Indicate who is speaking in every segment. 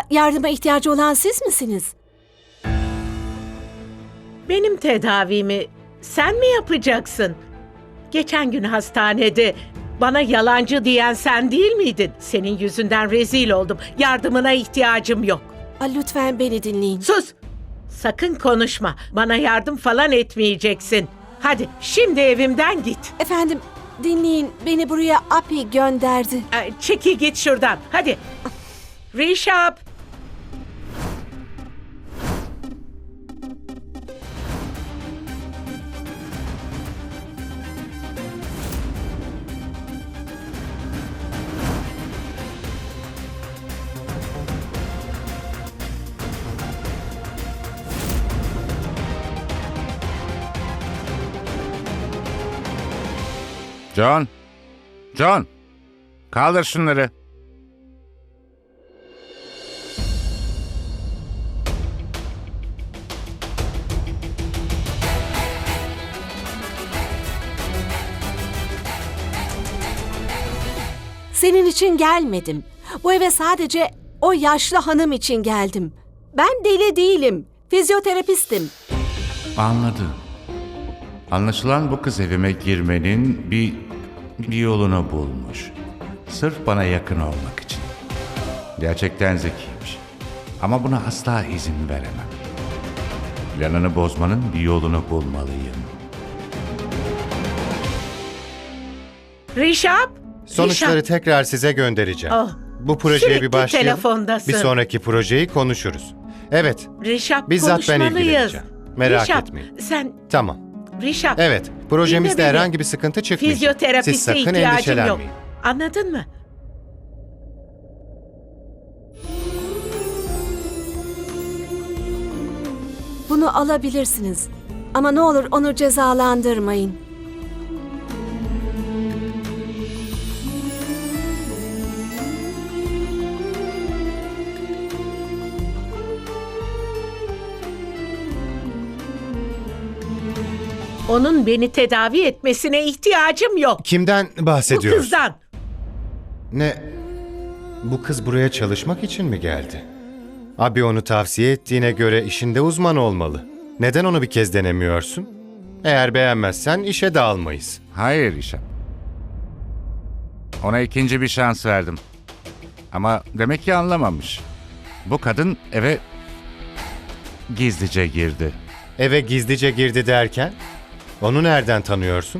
Speaker 1: yardıma ihtiyacı olan siz misiniz?
Speaker 2: Benim tedavimi sen mi yapacaksın? Geçen gün hastanede bana yalancı diyen sen değil miydin? Senin yüzünden rezil oldum. Yardımına ihtiyacım yok.
Speaker 1: Lütfen beni dinleyin.
Speaker 2: Sus! Sakın konuşma. Bana yardım falan etmeyeceksin. Hadi şimdi evimden git.
Speaker 1: Efendim, dinleyin. Beni buraya Api gönderdi.
Speaker 2: Çekil git şuradan. Hadi. Rişap.
Speaker 3: John! John! Kaldır şunları.
Speaker 1: Senin için gelmedim. Bu eve sadece o yaşlı hanım için geldim. Ben deli değilim. Fizyoterapistim.
Speaker 3: Anladım. Anlaşılan bu kız evime girmenin bir yolunu bulmuş. Sırf bana yakın olmak için. Gerçekten zekiymiş. Ama buna asla izin veremem. Planını bozmanın bir yolunu bulmalıyım.
Speaker 2: Rişap.
Speaker 4: Sonuçları
Speaker 2: Rişap.
Speaker 4: tekrar size göndereceğim.
Speaker 2: Oh,
Speaker 4: Bu projeye
Speaker 2: sürekli
Speaker 4: bir başlayalım.
Speaker 2: telefondasın.
Speaker 4: Bir sonraki projeyi konuşuruz. Evet,
Speaker 2: Rişap,
Speaker 4: bizzat ben
Speaker 2: konuşmalıyız.
Speaker 4: ilgileneceğim. Merak
Speaker 2: Rişap,
Speaker 4: etmeyin.
Speaker 2: Sen
Speaker 4: Tamam.
Speaker 2: Rişap.
Speaker 4: Evet, projemizde
Speaker 2: dinle beni.
Speaker 4: herhangi bir sıkıntı çıkmayacak. Siz
Speaker 2: Fizyoterapiste
Speaker 4: sakın
Speaker 2: ihtiyacım yok.
Speaker 4: endişelenmeyin.
Speaker 2: Anladın mı?
Speaker 1: Bunu alabilirsiniz. Ama ne olur onu cezalandırmayın.
Speaker 2: Onun beni tedavi etmesine ihtiyacım yok.
Speaker 4: Kimden
Speaker 2: Bu
Speaker 4: bahsediyoruz?
Speaker 2: kızdan.
Speaker 4: Ne? Bu kız buraya çalışmak için mi geldi? Abi onu tavsiye ettiğine göre işinde uzman olmalı. Neden onu bir kez denemiyorsun? Eğer beğenmezsen işe de almayız.
Speaker 3: Hayır Rişap. Ona ikinci bir şans verdim. Ama demek ki anlamamış. Bu kadın eve gizlice girdi.
Speaker 4: Eve gizlice girdi derken? Onu nereden tanıyorsun?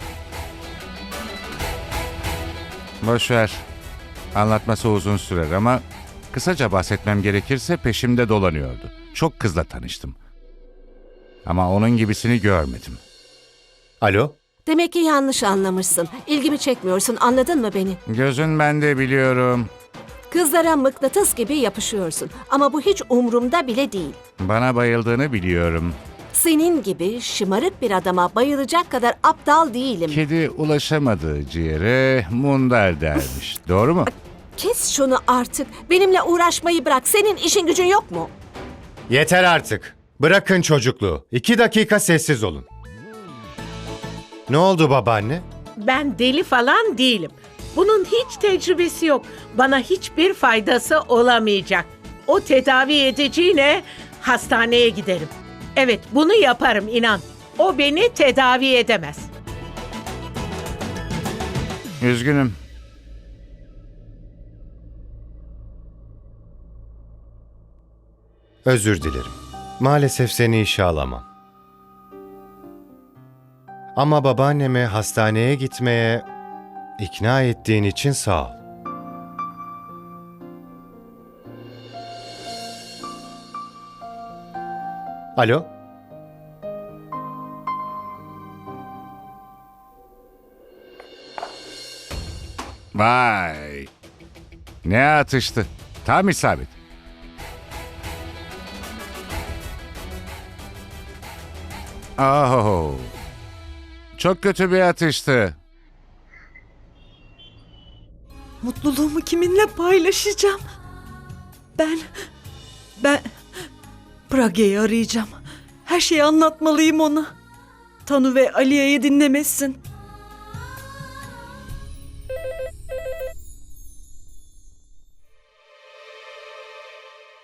Speaker 3: Boş ver. Anlatması uzun sürer ama kısaca bahsetmem gerekirse peşimde dolanıyordu. Çok kızla tanıştım. Ama onun gibisini görmedim.
Speaker 4: Alo?
Speaker 1: Demek ki yanlış anlamışsın. İlgimi çekmiyorsun, anladın mı beni?
Speaker 3: Gözün bende biliyorum.
Speaker 1: Kızlara mıknatıs gibi yapışıyorsun. Ama bu hiç umurumda bile değil.
Speaker 3: Bana bayıldığını biliyorum.
Speaker 1: Senin gibi şımarık bir adama bayılacak kadar aptal değilim.
Speaker 3: Kedi ulaşamadığı ciğere mundar dermiş. Doğru mu?
Speaker 1: Kes şunu artık. Benimle uğraşmayı bırak. Senin işin gücün yok mu?
Speaker 4: Yeter artık. Bırakın çocukluğu. 2 dakika sessiz olun. Ne oldu babaanne?
Speaker 2: Ben deli falan değilim. Bunun hiç tecrübesi yok. Bana hiçbir faydası olamayacak. O tedavi edeceğine hastaneye giderim. Evet, bunu yaparım inan. O beni tedavi edemez.
Speaker 3: Üzgünüm.
Speaker 4: Özür dilerim. Maalesef seni işe alamam. Ama babaannemi hastaneye gitmeye ikna ettiğin için sağ ol. Alo?
Speaker 3: Vay. Ne atıştı. Tam isabet. Oh. Çok kötü bir atıştı.
Speaker 5: Mutluluğumu kiminle paylaşacağım? Ben Praga'yı arayacağım. Her şeyi anlatmalıyım ona. Tanu ve Aliye'yi dinlemesin.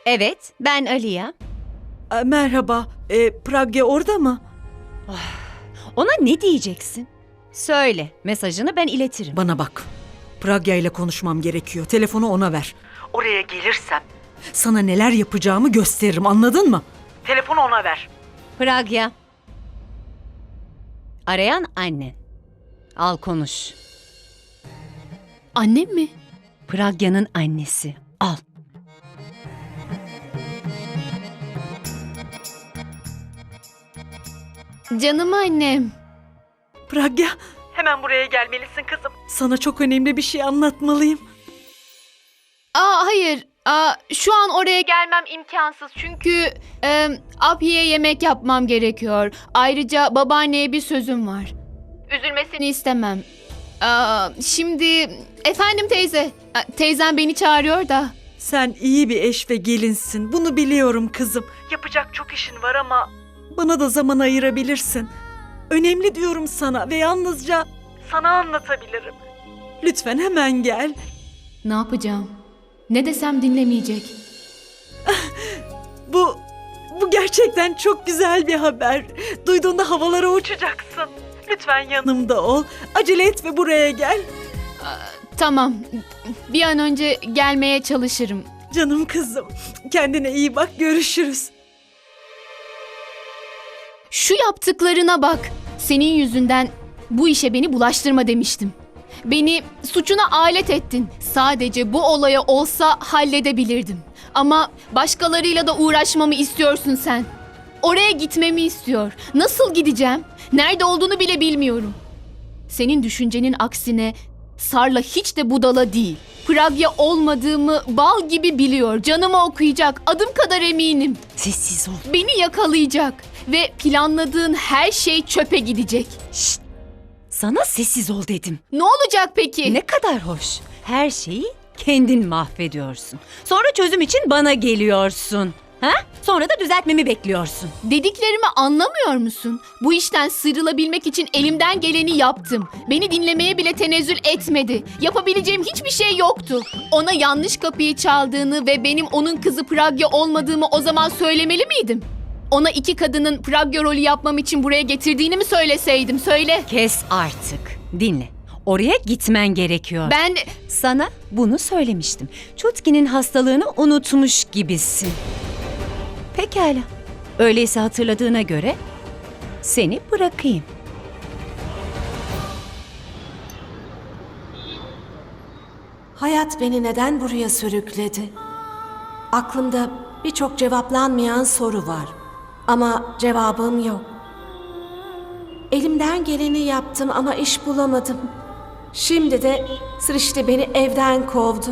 Speaker 6: Evet, ben Aliya.
Speaker 5: Merhaba. Pragya orada mı?
Speaker 6: Ona ne diyeceksin? Söyle, mesajını ben iletirim.
Speaker 5: Bana bak. Pragya ile konuşmam gerekiyor. Telefonu ona ver. Oraya gelirsem sana neler yapacağımı gösteririm, anladın mı? Telefonu ona ver.
Speaker 6: Pragya. Arayan annen. Al konuş.
Speaker 7: Annem mi?
Speaker 6: Pragya'nın annesi. Al.
Speaker 7: Canım annem.
Speaker 5: Pragya, hemen buraya gelmelisin kızım. Sana çok önemli bir şey anlatmalıyım.
Speaker 7: Hayır. Şu an oraya gelmem imkansız. Çünkü Abiye yemek yapmam gerekiyor. Ayrıca babaanneye bir sözüm var. Üzülmesini istemem. Şimdi efendim teyze. Teyzem beni çağırıyor da.
Speaker 5: Sen iyi bir eş ve gelinsin. Bunu biliyorum kızım. Yapacak çok işin var ama bana da zaman ayırabilirsin. Önemli diyorum sana ve yalnızca sana anlatabilirim. Lütfen hemen gel.
Speaker 7: Ne yapacağım? Ne desem dinlemeyecek.
Speaker 5: Bu gerçekten çok güzel bir haber. Duyduğunda havalara uçacaksın. Lütfen yanımda ol. Acele et ve buraya gel.
Speaker 7: Tamam. Bir an önce gelmeye çalışırım.
Speaker 5: Canım kızım. Kendine iyi bak. Görüşürüz.
Speaker 7: Şu yaptıklarına bak. Senin yüzünden bu işe beni bulaştırma demiştim. Beni suçuna alet ettin. Sadece bu olaya olsa halledebilirdim. Ama başkalarıyla da uğraşmamı istiyorsun sen. Oraya gitmemi istiyor. Nasıl gideceğim? Nerede olduğunu bile bilmiyorum. Senin düşüncenin aksine Sarla hiç de budala değil. Pragya olmadığımı bal gibi biliyor. Canımı okuyacak. Adım kadar eminim.
Speaker 6: Sessiz ol.
Speaker 7: Beni yakalayacak. Ve planladığın her şey çöpe gidecek.
Speaker 6: Şşt. Sana sessiz ol dedim.
Speaker 7: Ne olacak peki?
Speaker 6: Ne kadar hoş. Her şeyi kendin mahvediyorsun. Sonra çözüm için bana geliyorsun. Ha? Sonra da düzeltmemi bekliyorsun.
Speaker 7: Dediklerimi anlamıyor musun? Bu işten sıyrılabilmek için elimden geleni yaptım. Beni dinlemeye bile tenezzül etmedi. Yapabileceğim hiçbir şey yoktu. Ona yanlış kapıyı çaldığını ve benim onun kızı Pragya olmadığımı o zaman söylemeli miydim? Ona iki kadının Pragya rolü yapmam için buraya getirdiğini mi söyleseydim? Söyle.
Speaker 6: Kes artık. Dinle. Oraya gitmen gerekiyor.
Speaker 7: Ben...
Speaker 6: Sana bunu söylemiştim. Chutki'nin hastalığını unutmuş gibisin. Pekala. Öyleyse hatırladığına göre seni bırakayım.
Speaker 1: Hayat beni neden buraya sürükledi? Aklımda birçok cevaplanmayan soru var. Ama cevabım yok. Elimden geleni yaptım ama iş bulamadım. Şimdi de Srişti beni evden kovdu.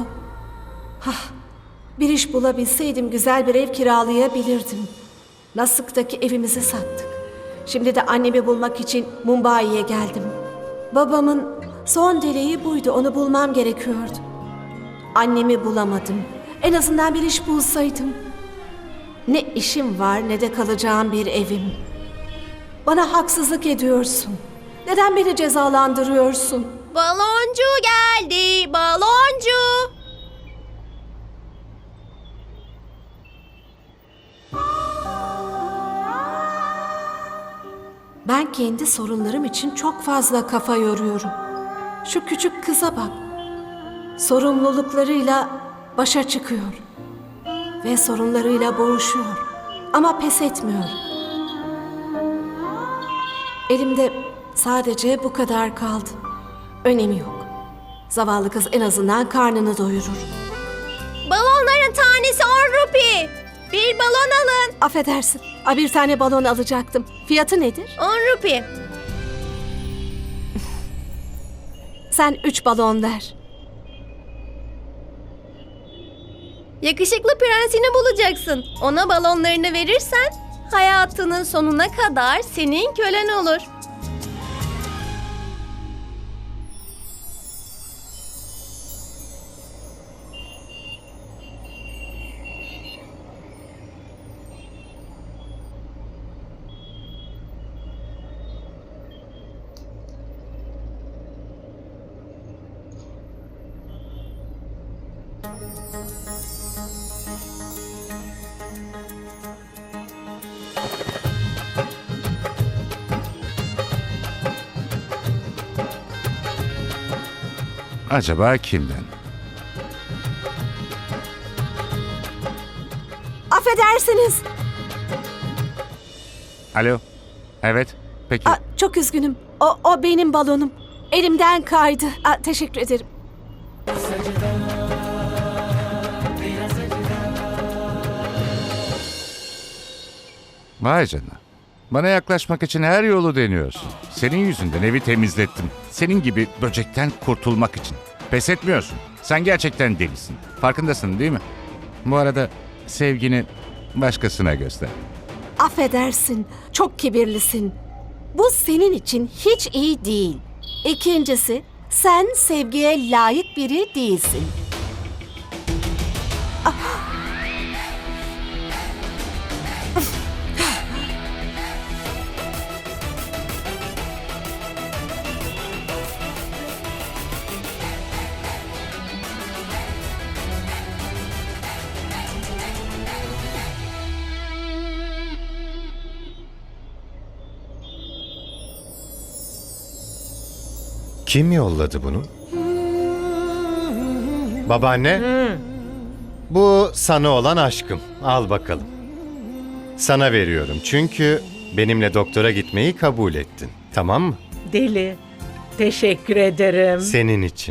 Speaker 1: Bir iş bulabilseydim güzel bir ev kiralayabilirdim. Nasık'taki evimizi sattık. Şimdi de annemi bulmak için Mumbai'ye geldim. Babamın son dileği buydu, onu bulmam gerekiyordu. Annemi bulamadım. En azından bir iş bulsaydım. Ne işim var ne de kalacağım bir evim. Bana haksızlık ediyorsun. Neden beni cezalandırıyorsun?
Speaker 8: Baloncu geldi, baloncu.
Speaker 1: Ben kendi sorunlarım için çok fazla kafa yoruyorum. Şu küçük kıza bak. Sorumluluklarıyla başa çıkıyor. Ve sorunlarıyla boğuşuyor. Ama pes etmiyor. Elimde sadece bu kadar kaldı. Önemi yok. Zavallı kız en azından karnını doyurur.
Speaker 8: Balonların tanesi 10 rupi. Bir balon alın.
Speaker 1: Affedersin. Bir tane balon alacaktım. Fiyatı nedir?
Speaker 8: 10 rupi.
Speaker 1: Sen 3 balon ver.
Speaker 8: Yakışıklı prensini bulacaksın. Ona balonlarını verirsen hayatının sonuna kadar senin kölen olur.
Speaker 3: Acaba kimden?
Speaker 1: Affedersiniz.
Speaker 3: Alo? Evet, peki.
Speaker 1: Çok üzgünüm. O benim balonum. Elimden kaydı. Teşekkür ederim.
Speaker 3: Vay canına. Bana yaklaşmak için her yolu deniyorsun. Senin yüzünden evi temizlettim. Senin gibi böcekten kurtulmak için. Pes etmiyorsun. Sen gerçekten delisin. Farkındasın değil mi? Bu arada sevgini başkasına göster.
Speaker 1: Affedersin. Çok kibirlisin. Bu senin için hiç iyi değil. İkincisi, sen sevgiye layık biri değilsin.
Speaker 4: Kim yolladı bunu? Babaanne. Bu sana olan aşkım. Al bakalım. Sana veriyorum çünkü benimle doktora gitmeyi kabul ettin. Tamam mı?
Speaker 2: Deli. Teşekkür ederim.
Speaker 4: Senin için.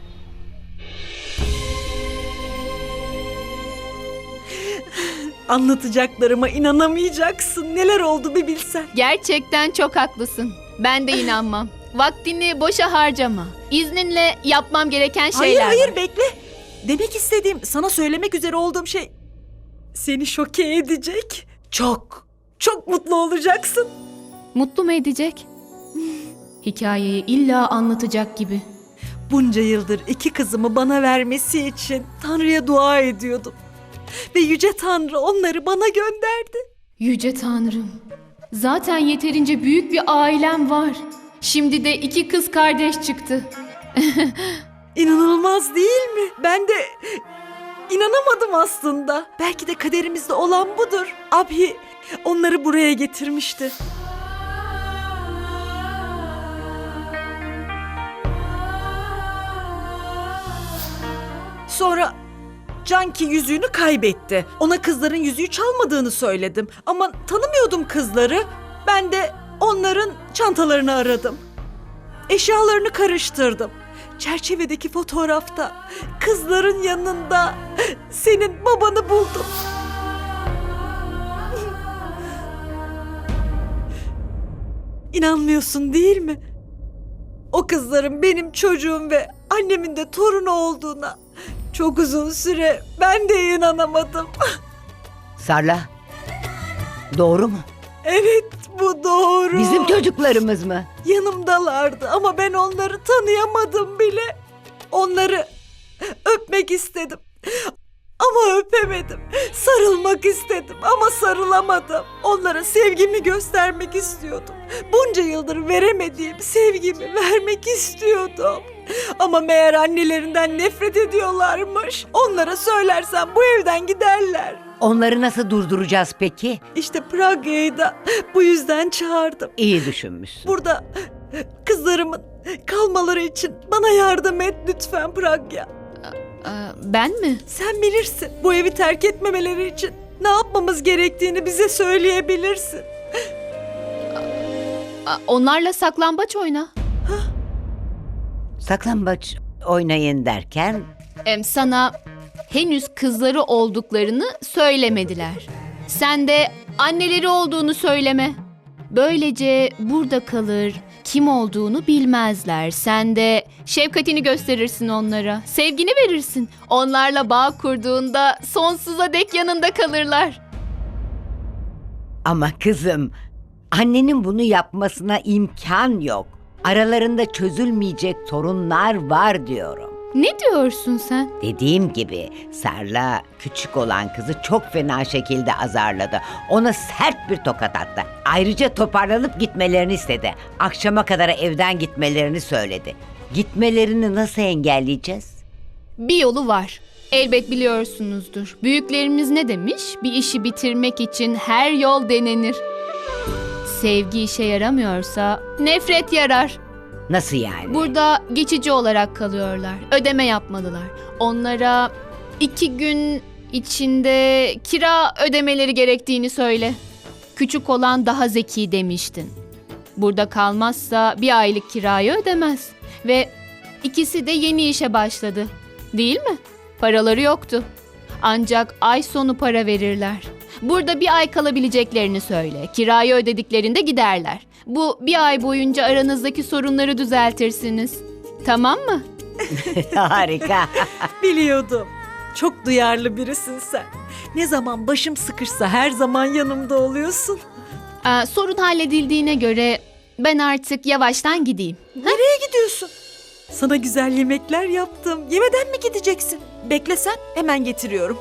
Speaker 5: Anlatacaklarıma inanamayacaksın. Neler oldu bir bilsen.
Speaker 7: Gerçekten çok haklısın. Ben de inanmam. Vaktini boşa harcama. İzninle yapmam gereken şeyler
Speaker 5: Hayır
Speaker 7: var.
Speaker 5: bekle. Demek istediğim, sana söylemek üzere olduğum şey seni şoke edecek. Çok mutlu olacaksın.
Speaker 7: Mutlu mu edecek? Hikayeyi illa anlatacak gibi.
Speaker 5: Bunca yıldır iki kızımı bana vermesi için Tanrı'ya dua ediyordum. Ve Yüce Tanrı onları bana gönderdi.
Speaker 7: Yüce Tanrım. Zaten yeterince büyük bir ailem var. Şimdi de 2 kız kardeş çıktı.
Speaker 5: İnanılmaz değil mi? Ben de inanamadım aslında. Belki de kaderimizde olan budur. Abi onları buraya getirmişti. Sonra Canki yüzüğünü kaybetti. Ona kızların yüzüğü çalmadığını söyledim. Ama tanımıyordum kızları. Ben de onların çantalarını aradım. Eşyalarını karıştırdım. Çerçevedeki fotoğrafta kızların yanında senin babanı buldum. İnanmıyorsun değil mi? O kızların benim çocuğum ve annemin de torunu olduğuna çok uzun süre ben de inanamadım.
Speaker 9: Sarla. Doğru mu?
Speaker 5: Evet, bu doğru.
Speaker 9: Bizim çocuklarımız mı?
Speaker 5: Yanımdalardı ama ben onları tanıyamadım bile. Onları öpmek istedim ama öpemedim. Sarılmak istedim ama sarılamadım. Onlara sevgimi göstermek istiyordum. Bunca yıldır veremediğim sevgimi vermek istiyordum. Ama meğer annelerinden nefret ediyorlarmış. Onlara söylersem bu evden giderler.
Speaker 9: Onları nasıl durduracağız peki?
Speaker 5: İşte Pragya'yı da bu yüzden çağırdım.
Speaker 9: İyi düşünmüşsün.
Speaker 5: Burada kızlarımın kalmaları için bana yardım et lütfen Pragya.
Speaker 7: Ben mi?
Speaker 5: Sen bilirsin. Bu evi terk etmemeleri için ne yapmamız gerektiğini bize söyleyebilirsin.
Speaker 7: Onlarla saklambaç oyna.
Speaker 9: Saklambaç oynayın derken
Speaker 7: Sana henüz kızları olduklarını söylemediler. Sen de anneleri olduğunu söyleme. Böylece burada kalır, kim olduğunu bilmezler. Sen de şefkatini gösterirsin onlara, sevgini verirsin. Onlarla bağ kurduğunda sonsuza dek yanında kalırlar.
Speaker 9: ama kızım annenin bunu yapmasına imkan yok. Aralarında çözülmeyecek sorunlar var diyorum.
Speaker 7: Ne diyorsun sen?
Speaker 9: Dediğim gibi Sarla küçük olan kızı çok fena şekilde azarladı. Ona sert bir tokat attı. Ayrıca toparlanıp gitmelerini istedi. Akşama kadar evden gitmelerini söyledi. Gitmelerini nasıl engelleyeceğiz?
Speaker 7: Bir yolu var. Elbet biliyorsunuzdur. Büyüklerimiz ne demiş? Bir işi bitirmek için her yol denenir. Sevgi işe yaramıyorsa nefret yarar.
Speaker 9: Nasıl yani?
Speaker 7: Burada geçici olarak kalıyorlar. Ödeme yapmalılar. Onlara 2 gün içinde kira ödemeleri gerektiğini söyle. Küçük olan daha zeki demiştin. Burada kalmazsa 1 aylık kirayı ödemez. Ve ikisi de yeni işe başladı. Değil mi? Paraları yoktu. Ancak ay sonu para verirler. Burada 1 ay kalabileceklerini söyle. Kirayı ödediklerinde giderler. Bu 1 ay boyunca aranızdaki sorunları düzeltirsiniz. Tamam mı?
Speaker 9: Harika.
Speaker 5: Biliyordum. Çok duyarlı birisin sen. Ne zaman başım sıkışsa her zaman yanımda oluyorsun.
Speaker 7: Sorun halledildiğine göre ben artık yavaştan gideyim.
Speaker 5: Nereye gidiyorsun? Sana güzel yemekler yaptım. Yemeden mi gideceksin? Beklesen hemen getiriyorum.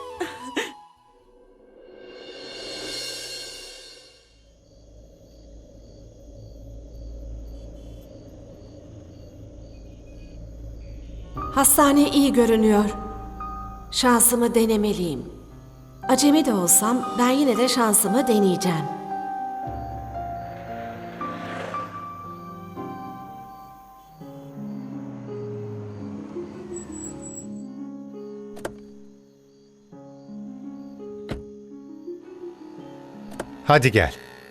Speaker 1: Hastane iyi görünüyor. Şansımı denemeliyim. Acemi de olsam ben yine de şansımı deneyeceğim.
Speaker 4: Hadi gel.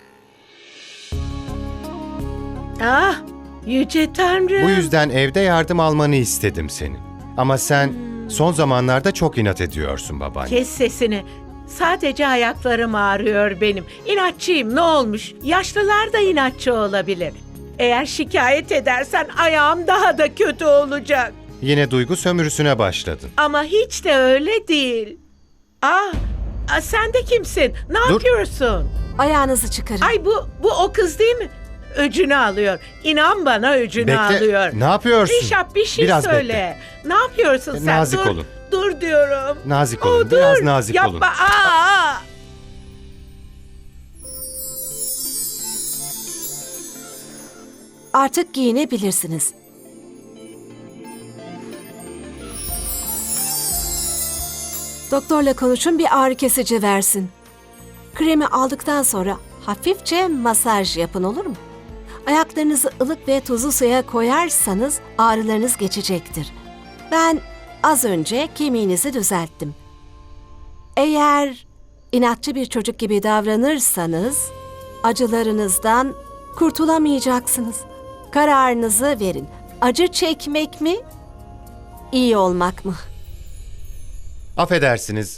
Speaker 2: Ah, yüce Tanrım.
Speaker 4: Bu yüzden evde yardım almanı istedim senin. Ama sen son zamanlarda çok inat ediyorsun babaanne.
Speaker 2: Kes sesini. Sadece ayaklarım ağrıyor benim. İnatçıyım, ne olmuş? Yaşlılar da inatçı olabilir. Eğer şikayet edersen ayağım daha da kötü olacak.
Speaker 4: Yine duygu sömürüsüne başladın.
Speaker 2: Ama hiç de öyle değil. Sen de kimsin? Ne
Speaker 4: Dur.
Speaker 2: yapıyorsun?
Speaker 1: Ayağınızı çıkarın.
Speaker 2: Ay bu o kız değil mi? Öcünü alıyor. İnan bana öcünü
Speaker 4: Bekle.
Speaker 2: alıyor.
Speaker 4: Ne yapıyorsun?
Speaker 2: Rişap bir şey
Speaker 4: Biraz
Speaker 2: söyle. Ne yapıyorsun sen?
Speaker 4: Nazik
Speaker 2: dur,
Speaker 4: olun.
Speaker 2: Dur diyorum.
Speaker 4: Nazik olun. Biraz nazik
Speaker 2: Yapma.
Speaker 4: olun.
Speaker 2: Aa!
Speaker 1: Artık giyinebilirsiniz. Doktorla konuşun, bir ağrı kesici versin. Kremi aldıktan sonra hafifçe masaj yapın, olur mu? Ayaklarınızı ılık ve tuzlu suya koyarsanız ağrılarınız geçecektir. Ben az önce kemiğinizi düzelttim. Eğer inatçı bir çocuk gibi davranırsanız acılarınızdan kurtulamayacaksınız. Kararınızı verin. Acı çekmek mi, iyi olmak mı?
Speaker 4: Affedersiniz.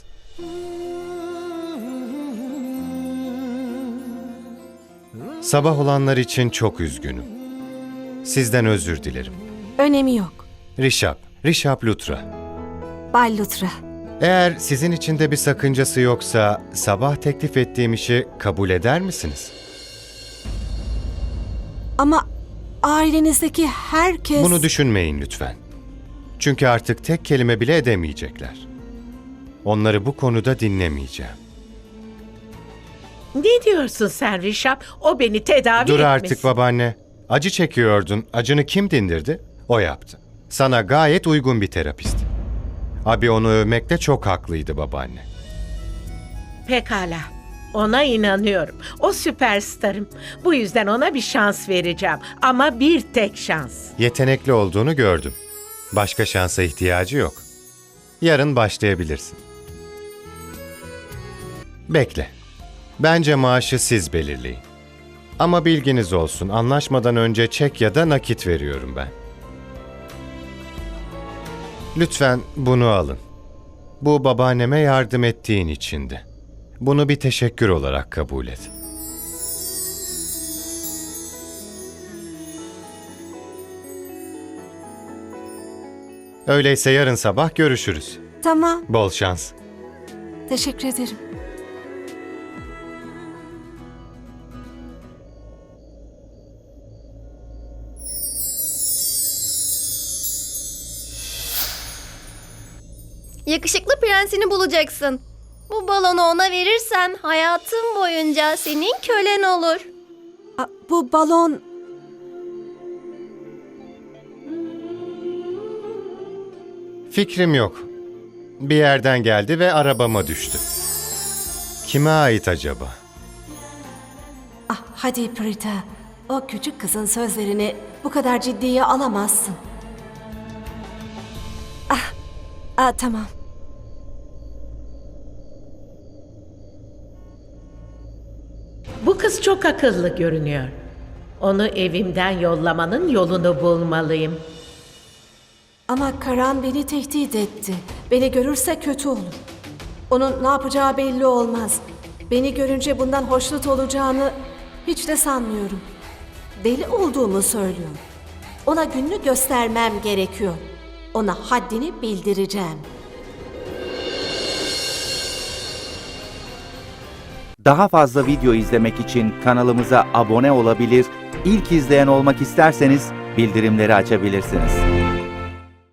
Speaker 4: Sabah olanlar için çok üzgünüm. Sizden özür dilerim.
Speaker 1: Önemi yok.
Speaker 4: Rişap Lutra.
Speaker 1: Bay Lutra.
Speaker 4: Eğer sizin için de bir sakıncası yoksa sabah teklif ettiğim işi kabul eder misiniz?
Speaker 1: Ama ailenizdeki herkes...
Speaker 4: Bunu düşünmeyin lütfen. Çünkü artık tek kelime bile edemeyecekler. Onları bu konuda dinlemeyeceğim.
Speaker 2: Ne diyorsun sen Rişap? O beni tedavi
Speaker 4: Dur
Speaker 2: etmesin.
Speaker 4: artık babaanne. Acı çekiyordun. Acını kim dindirdi? O yaptı. Sana gayet uygun bir terapist. Abi onu övmekte çok haklıydı babaanne.
Speaker 2: Pekala. Ona inanıyorum. O süperstarım. Bu yüzden ona bir şans vereceğim. Ama bir tek şans.
Speaker 4: Yetenekli olduğunu gördüm. Başka şansa ihtiyacı yok. Yarın başlayabilirsin. Bekle. Bence maaşı siz belirleyin. Ama bilginiz olsun, anlaşmadan önce çek ya da nakit veriyorum ben. Lütfen bunu alın. Bu babaanneme yardım ettiğin içindi. Bunu bir teşekkür olarak kabul et. Öyleyse yarın sabah görüşürüz.
Speaker 1: Tamam,
Speaker 4: Bol şans.
Speaker 1: teşekkür ederim.
Speaker 8: Yakışıklı prensini bulacaksın. Bu balonu ona verirsen hayatın boyunca senin kölen olur.
Speaker 1: Bu balon...
Speaker 4: Fikrim yok. bir yerden geldi ve arabama düştü. Kime ait acaba?
Speaker 1: Ah, hadi Prita. O küçük kızın sözlerini bu kadar ciddiye alamazsın. Tamam.
Speaker 2: Bu kız çok akıllı görünüyor. Onu evimden yollamanın yolunu bulmalıyım.
Speaker 1: Ama Karan beni tehdit etti. Beni görürse kötü olur. Onun ne yapacağı belli olmaz. Beni görünce bundan hoşnut olacağını hiç de sanmıyorum. Deli olduğumu söylüyor. Ona gününü göstermem gerekiyor. Ona haddini bildireceğim.
Speaker 10: Daha fazla video izlemek için kanalımıza abone olabilir, ilk izleyen olmak isterseniz bildirimleri açabilirsiniz.